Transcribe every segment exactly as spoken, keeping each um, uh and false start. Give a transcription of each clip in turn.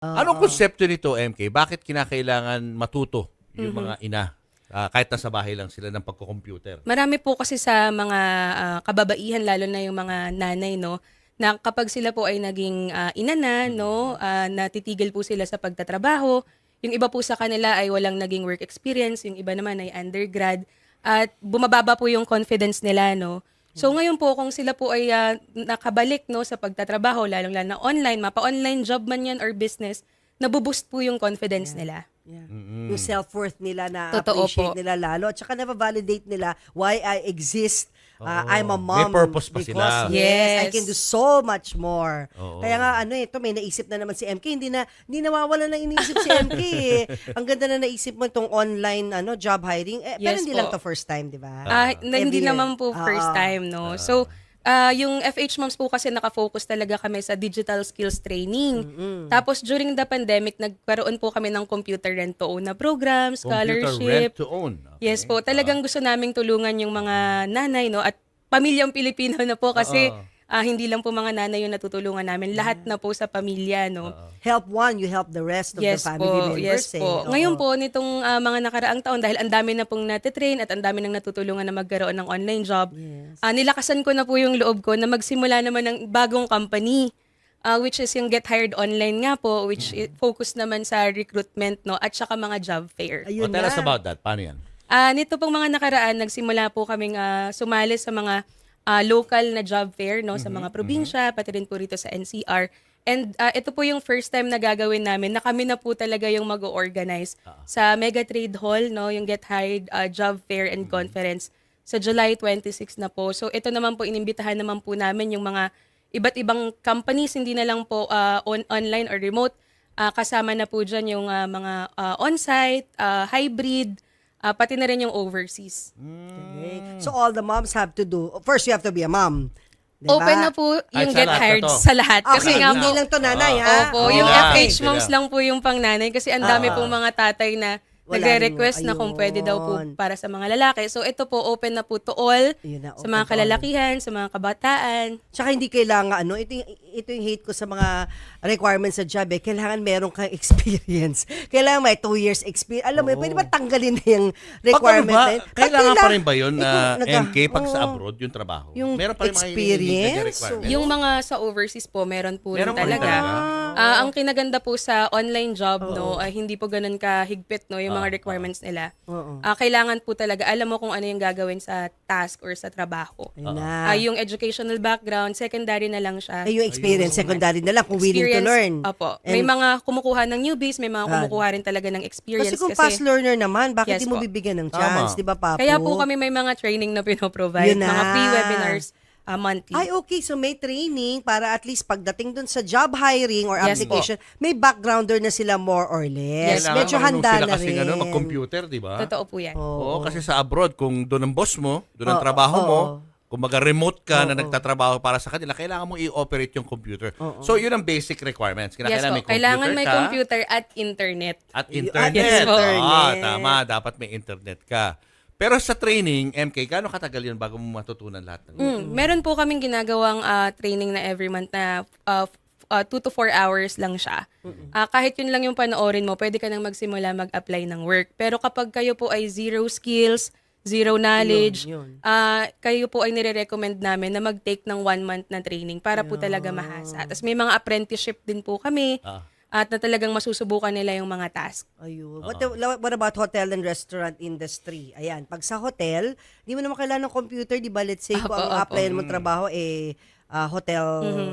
Anong Oo. konsepto nito, M K? Bakit kinakailangan matuto yung Mhm. mga ina, ah, kahit nasa bahay lang sila ng pagko-computer? Marami po kasi sa mga ah, kababaihan, lalo na yung mga nanay, no, na kapag sila po ay naging ah, ina na, no, ah, natitigil po sila sa pagtatrabaho. Yung iba po sa kanila ay walang naging work experience, yung iba naman ay undergrad, at bumababa po yung confidence nila, no. So ngayon po kung sila po ay ah, nakabalik, no, sa pagtatrabaho, lalong-lalo na online, mapa-online job man yan or business, nabuboost po yung confidence nila. Yeah. Mm-mm. Yung self-worth nila na Totoo appreciate po. nila lalo. At saka na-validate nila why I exist. Uh, Oo. I'm a May mom. purpose pa because, sila. Yes, I Yes. can do so much more. Oo. Kaya nga, ano eh, ito, may naisip na naman si M K. Hindi na, hindi nawawala ng iniisip si M K eh. Ang ganda na naisip mo itong online ano job hiring. Eh, pero Yes hindi po. lang to first time, di ba? Ah, na, hindi Every year. naman po first Ah, time, no. So, ah, yung F H Moms po kasi nakafocus talaga kami sa digital skills training. Tapos during the pandemic, nagkaroon po kami ng computer rent to own na program, Computer scholarship. rent to own. Okay. Yes po, talagang gusto naming tulungan yung mga nanay, no, at pamilyang Pilipino na po kasi Oo. ah, hindi lang po mga nanay yung natutulungan namin, lahat na po sa pamilya, no. Help one, you help the rest of Yes the family po, members. yes eh. po. Oo. Ngayon po, nitong ah, mga nakaraang taon, dahil ang dami na pong natitrain at ang dami nang natutulungan na magkaroon ng online job, Yes. ah, nilakasan ko na po yung loob ko na magsimula naman ng bagong company, ah, which is yung Get Hired Online nga po, which i- focus naman sa recruitment, no, at saka mga job fair. Oh, Ayun tell na. us about that. Paano yan? Ah, nito pong mga nakaraan, nagsimula po kaming ah, sumali sa mga ah, local na job fair, no, sa mga probinsya, pati rin po rito sa N C R. And ah, ito po yung first time na gagawin namin na kami na po talaga yung mag-organize sa Mega Trade Hall, no, yung Get Hired ah, Job Fair and Conference sa July twenty-six na po. So ito naman po, inimbitahan naman po namin yung mga iba't ibang companies, hindi na lang po ah, on- online or remote. Ah, kasama na po dyan yung ah, mga ah, on-site, ah, hybrid, ah, pati na rin yung overseas. Okay. So all the moms have to do, first you have to be a mom. Diba? Open na po Ay, yung sa Get lahat na Hired to. sa lahat. Kasi Okay, nga hindi po, lang to nanay ha. opo, Hindi yung lang, F H hindi Moms lang. lang po yung pang nanay kasi ang dami pong mga tatay na Wala nagre-request rin, na kung pwede daw po ayun. para sa mga lalaki. So ito po, open na po to all, Ayun na, sa open mga to all. kalalakihan, sa mga kabataan. Tsaka hindi kailangan, ano, ito yung, ito yung hate ko sa mga requirements sa job eh. Kailangan meron kang experience. Kailangan may two years experience. Alam mo, Oo. pwede ba tanggalin na yung Pag ano requirement ba, na yun? kailangan Pag pa rin ba yun eh, na kung nag- M K pag sa Oo. abroad yung trabaho? Yung Meron pa rin mga experience, hinihingi na requirements? Yung mga sa overseas po, meron po rin Meron pa rin talaga. talaga? Ah, ang kinaganda po sa online job, no, ay hindi po ganun kahigpit, no, yung mga requirements nila. Oo. Ah, kailangan po talaga, alam mo kung ano yung gagawin sa task or sa trabaho. Ayun Ah, na. yung educational background, secondary na lang siya. Ay, yung experience, secondary na lang kung willing to Experience, learn. Opo. May And- mga kumukuha ng newbies, may mga kumukuha rin talaga ng experience. Kasi kung fast learner naman, bakit Yes di mo po. bibigyan ng Tama. chance, di ba, Papo? Kaya po kami may mga training na pinoprovide, Yun na. mga free webinars ah, monthly. Ay, okay. So, may training para at least pagdating dun sa job hiring or Yes application, may backgrounder na sila more or less. Yes, Medyo marunong handa sila na kasing rin. ano, mag-computer, di ba? Totoo po yan. Oo, kasi sa abroad, kung doon ang boss mo, doon ang Oo, trabaho mo, oo. kung maga-remote ka na nagtatrabaho para sa kanila, kailangan mo i-operate yung computer. So, yun ang basic requirements. Yes Kailangan po. may computer Kailangan may ka computer at internet. at Yes internet. po. Ah, tama. Dapat may internet ka. Pero sa training, M K, gaano katagal yun bago mo matutunan lahat ng Mm, meron po kaming ginagawang ah, training na every month na uh, f- uh, two to four hours lang siya. Ah, kahit yun lang yung panoorin mo, pwede ka nang magsimula mag-apply ng work. Pero kapag kayo po ay zero skills, zero knowledge, Yun, yun. ah, kayo po ay nire-recommend namin na mag-take ng one month na training para po talaga mahasa. Tapos may mga apprenticeship din po kami Ah. at na talagang masusubukan nila yung mga task. Ayun. What, what about hotel and restaurant industry? Ayan, pag sa hotel, di mo naman kailangan ng computer, di ba? Let's say, kung Apo, ang apo. apply mo trabaho, eh, ah, hotel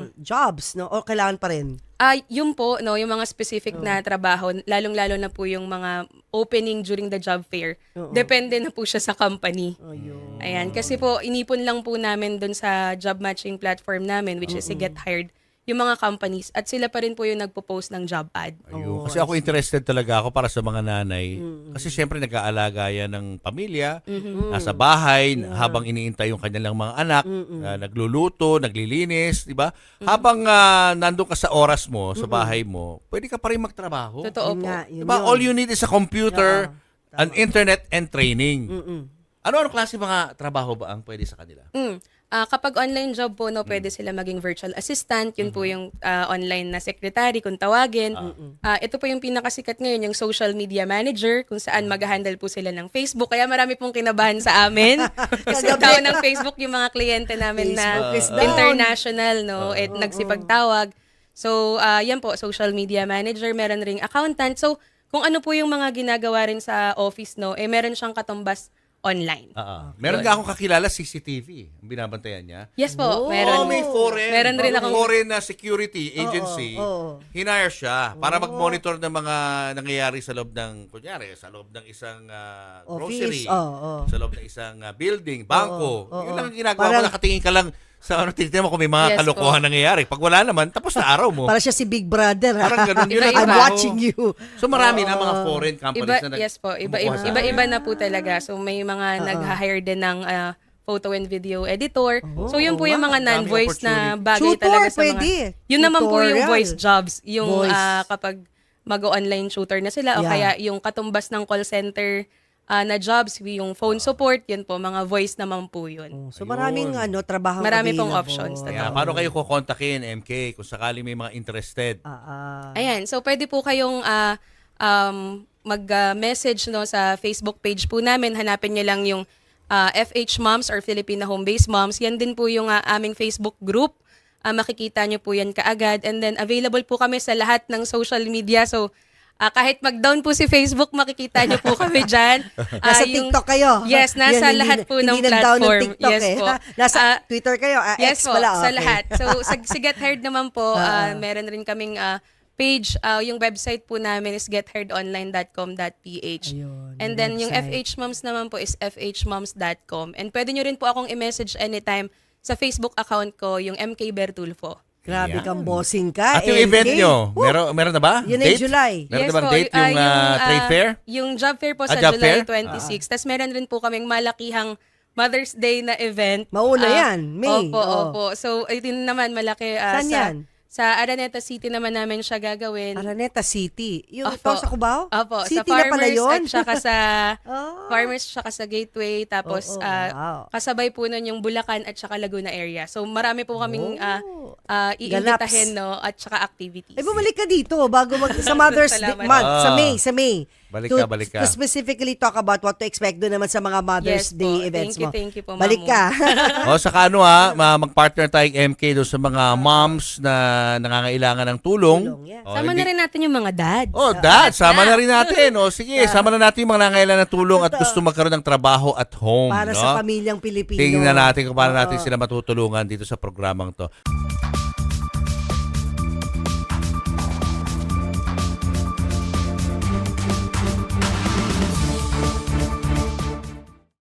jobs, no? O kailangan pa rin? Ah, yun po, no, yung mga specific na trabaho, lalong-lalo na po yung mga opening during the job fair. Depende na po siya sa company. Ayun. Ayan, kasi po inipon lang po namin dun sa job matching platform namin, which is si Get Hired, yung mga companies, at sila pa rin po yung nagpo-post ng job ad. Ayun. Kasi ako interested talaga ako para sa mga nanay. Kasi siyempre nag-aalaga yan ng pamilya, nasa bahay, habang iniintay yung kanilang mga anak, ah, nagluluto, naglilinis, di ba? Habang ah, nandun ka sa oras mo, sa bahay mo, pwede ka pa rin magtrabaho. Totoo Yun po. nga, yun Diba? yun. All you need is a computer, Oo, an internet, and training. Mm-mm. Ano-ano klase mga trabaho ba ang pwede sa kanila? Mm. Ah, kapag online job po, no, pwede sila maging virtual assistant. Yun po yung ah, online na secretary kung tawagin. Ah, ito po yung pinakasikat ngayon, yung social media manager, kung saan mag-handle po sila ng Facebook. Kaya marami pong kinabahan sa amin. Kasi Kagabi. down ng Facebook yung mga kliyente namin na Facebook is down. international, no, at nagsipagtawag. So, ah, yan po, social media manager, meron ring accountant. So, kung ano po yung mga ginagawa rin sa office, no, eh meron siyang katumbas online. Ah, ah. Meron nga akong kakilala C C T V. Ang binabantayan niya. Yes po, Oh, meron. Oh, may foreign. Meron rin may akong- foreign na security agency. oo. Hinire siya para mag-monitor ng mga nangyayari sa loob ng, kunyari, sa loob ng isang ah, grocery. Office, oo, oo. Sa loob ng isang ah, building, bangko. Oo, oo. Yun lang ang ginagawa Parang- mo. Nakatingin ka lang sa ano, titignan mo kung may mga Yes kalokohan nangyayari. Pag wala naman, tapos na araw mo. Para siya si Big Brother. ha? Parang ganun yun. ang Iba-iba. I'm trabaho. watching you. So marami na mga foreign companies Iba, na nag- yes po, iba, kumukuha iba, sa iba, akin. iba na po talaga. So may mga nag-hire din ng ah, photo and video editor. so yun po yung mga wow. non-voice na Daming bagay opportunity. talaga Tutor, sa mga... pwede. Yun naman po yung Tutorial. voice jobs. Yung Voice. ah, kapag mag-online shooter na sila o Yeah. kaya yung katumbas ng call center ah, na jobs, yung phone support, yun po, mga voice naman po yun. So maraming Ayun. ano, trabaho Marami pong available. options. Kaya, paano kayo kukontakin, M K, kung sakali may mga interested? Ah, ah. Ayan, so pwede po kayong ah, um, mag-message no, sa Facebook page po namin. Hanapin niyo lang yung ah, F H Moms or Filipina Home-Based Moms. Yan din po yung ah, aming Facebook group. Ah, makikita niyo po yan kaagad. And then available po kami sa lahat ng social media. So ah, kahit mag-down po si Facebook, makikita niyo po kami dyan. Ah, Nasa yung- TikTok kayo. Yes, nasa Yan, hindi lahat na- po hindi ng nag-down platform. Ng TikTok, Yes eh. po. Nasa Ah, Twitter kayo. Ah, Yes X po, pala. sa okay. lahat. So, sa, sa Get Hired naman po, ah, meron rin kaming ah, page. Ah, yung website po namin is get hired online dot com dot p h. Ayun, And yung then, yung website. F H Moms naman po is f h moms dot com. And pwede nyo rin po akong i-message anytime sa Facebook account ko, yung M K Bertulfo. Grabe Yan. kang bossing ka. At yung M K. event nyo, Woo! meron, meron na ba? Yun ay Date? July. Meron Yes na bang po, date ah, yung, ah, ah, trade fair? Yung job fair po Ah, sa job July fair? twenty-six. Tapos meron rin po kaming malakihang Mother's Day na event. Mauna Ah, yan, May. Opo, Oo. opo. So, ito naman malaki. ah, Saan sa, yan? Sa Araneta City naman namin siya gagawin. Araneta City. Yung Opo. ito sa Cubao? Opo, City sa na Farmers pala yun? at saka sa Oh. Farmers at saka sa Gateway. Tapos Oo, ah, wow. kasabay po nun yung Bulacan at saka Laguna area. So marami po kaming ah, Oh. ah, Ganaps. iimbitahin no, at saka activities. Ay, bumalik ka dito bago mag sa Mother's Day Salamat. month, sa Ah. May, sa May. Balik To- ka, balik ka. To specifically talk about what to expect doon naman sa mga Mother's Yes po. Day events Thank you, mo. thank you po, Balik Mamu. ka. O, saka ano ha, ma- mag-partner tayong M K doon sa mga moms na nangangailangan ng tulong. Tulong, yeah. O, Sama hindi- na rin natin yung mga dads. Oh, dad, sama na rin natin. O, sige, sama na natin yung mga nangangailangan ng tulong at gusto magkaroon ng trabaho at home. Para no? sa pamilyang Pilipino. Tingnan natin kung paano natin Oo. sila matutulungan dito sa programang to.